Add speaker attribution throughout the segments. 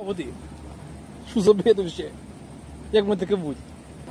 Speaker 1: води. Що за бред вообще? Як ми таке будь?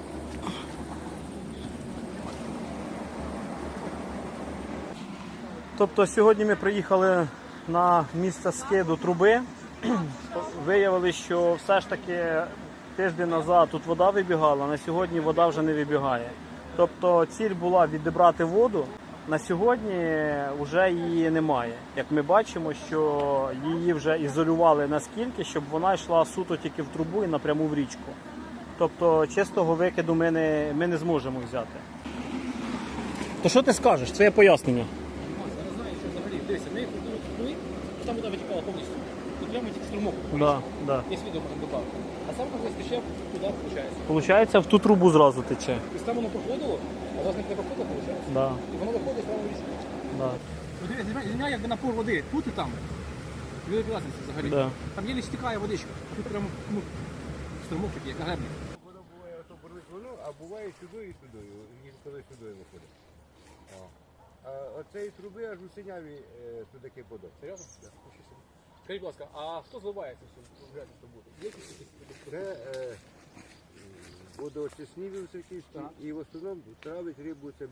Speaker 1: Тобто сьогодні ми приїхали на місце скиду труби. Виявили, що все ж таки тиждень назад тут вода вибігала, на сьогодні вода вже не вибігає. Тобто ціль була відібрати воду, на сьогодні вже її немає. Як ми бачимо, що її вже ізолювали наскільки, щоб вона йшла суто тільки в трубу і напряму в річку. Тобто чистого викиду ми не зможемо взяти. То що ти скажеш? Це є пояснення.
Speaker 2: Зараз знаю, що взагалі, дивися, ми ходили, там вода витікала повністю. Тут прямо тільки струмок.
Speaker 1: Да.
Speaker 2: Є відео можемо додати. А сам коли стече туди, виходить.
Speaker 1: Получається, в ту трубу зразу тече.
Speaker 2: Тобто там воно проходило, а у вас не проходило, виходить?
Speaker 1: Да.
Speaker 2: І воно виходить прямо в річку.
Speaker 1: Да.
Speaker 2: Дивись, якби напор води тут і там. Велика разниця взагалі.
Speaker 1: Да.
Speaker 2: Там єлі стікає водичка, а тут прямо струмок такий, як на греблі.
Speaker 3: Воно буває, ото бурлить воно, а буває сюди і сюди, і коли сюди виходить. А оцеї труби аж у синяві туди подав.
Speaker 2: Серйозно? Скажіть, будь ласка, а хто зливає це все в грязь роботу? Є якісь?
Speaker 3: Це водоочисні високівські, і в основному травить рибу це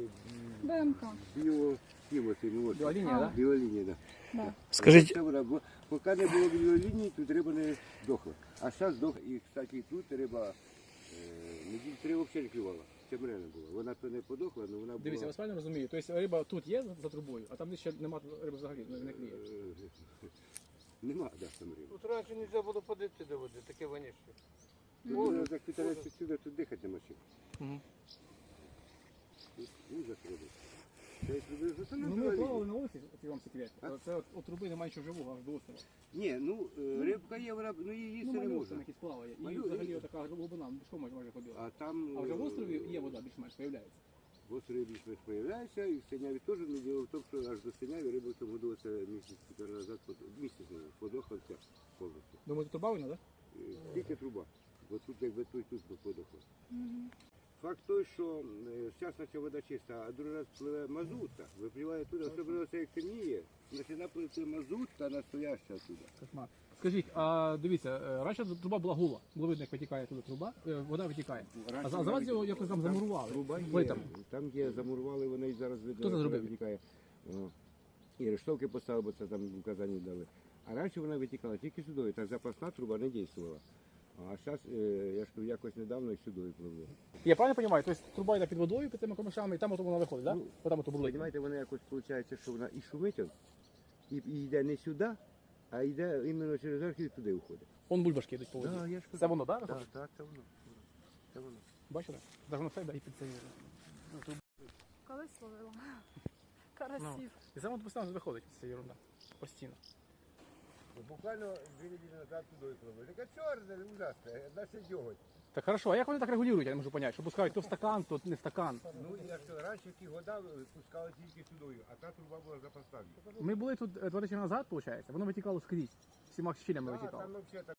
Speaker 2: Біолінія, так?
Speaker 3: біолінія, да.
Speaker 4: Да.
Speaker 1: Скажіть,
Speaker 3: Це вода, бо поки не було біолінії, тут риба не здохла. А зараз здохла. І, кстати, тут риба, неділь 3 взагалі не клювала. Чемрена була. Вона то не подохла, але вона була...
Speaker 2: Дивіться, я вас правильно розумію. Тобто риба тут є за трубою, а там ще немає риби взагалі, не кліє.
Speaker 3: Нема, да, там риби.
Speaker 5: Тут раніше не можна було подати до води, таке воніще.
Speaker 3: Тут так підтирається сюди, тут дихати нема чим.
Speaker 2: Мгм.
Speaker 3: Ужас робить. Це як робив за
Speaker 2: Ну ми плавали на вулиці, це вам секрет. Це от трубы немає нічого живого, аж до острова.
Speaker 3: Ні, ну рибка є, вона, ну її їсти не
Speaker 2: малюк
Speaker 3: можна.
Speaker 2: там якийсь плаває. І
Speaker 3: Малюк,
Speaker 2: взагалі
Speaker 3: і-
Speaker 2: така глибина, пішком майже ходила.
Speaker 3: А там
Speaker 2: А вже в острові є вода більш-менш, з'являється.
Speaker 3: в острові більш-менш появляється, і в Синяві теж, не діло в тому, що аж до Синяві риба в цьому году це місяць-півтора назад, місяць подохла вся повністю.
Speaker 2: Думаєте, труба винна, так?
Speaker 3: Тільки труба, бо тут якби тут подохла. Факт той, що зараз наче вода чиста, а другий раз пливе мазута, випливає туди, особливо це як темніє, починає пливти мазута настояща туди.
Speaker 2: Кошмар. Скажіть, а дивіться, раніше труба була гула, було видно, як витікає туди труба, вода витікає. А за вас його якось там замурували.
Speaker 3: Труба є,
Speaker 2: Ви там.
Speaker 3: там є, замурували, вони і зараз видно,
Speaker 2: Хто це зробив?
Speaker 3: витікає. І рештовки поставили, бо це там в Казані дали. А раніше вона витікала тільки сюди, та запасна труба не дійствувала. А зараз, я ж кажу, якось недавно і сюди пливло.
Speaker 2: Я правильно розумію? Тобто труба йде під водою, під тими камешами, і там от вона виходить, так?
Speaker 3: Ну,
Speaker 2: Там от бурлить.
Speaker 3: Понимаєте, вона якось виходить, що вона і шумить, і йде не сюди, а йде іменно через архів і туди виходить.
Speaker 2: Вон бульбашки йдуть по воді.
Speaker 3: Да, я ж кажу.
Speaker 2: Це воно, так?
Speaker 3: Так,
Speaker 2: виходить?
Speaker 3: так, це воно. Це воно.
Speaker 2: Бачите? Навіть воно все йде і під цей.
Speaker 4: Колись ловила. Карасів.
Speaker 2: І саме постійно виходить ця ерунда. Постійно.
Speaker 3: Буквально 2 неділі назад туди пливли. Така чорна, ужасна, наче дьоготь.
Speaker 2: Так хорошо, а як вони так регулюють, я не можу зрозуміти, що пускають то в стакан, то не в стакан.
Speaker 3: Ну, я ж кажу, раніше ті вода пускали тільки сюди, а та труба була запасна.
Speaker 2: Ми були тут 2 тижні назад, виходить, воно витікало скрізь, всіма щілями
Speaker 3: Так,
Speaker 2: витікало.
Speaker 3: там взагалі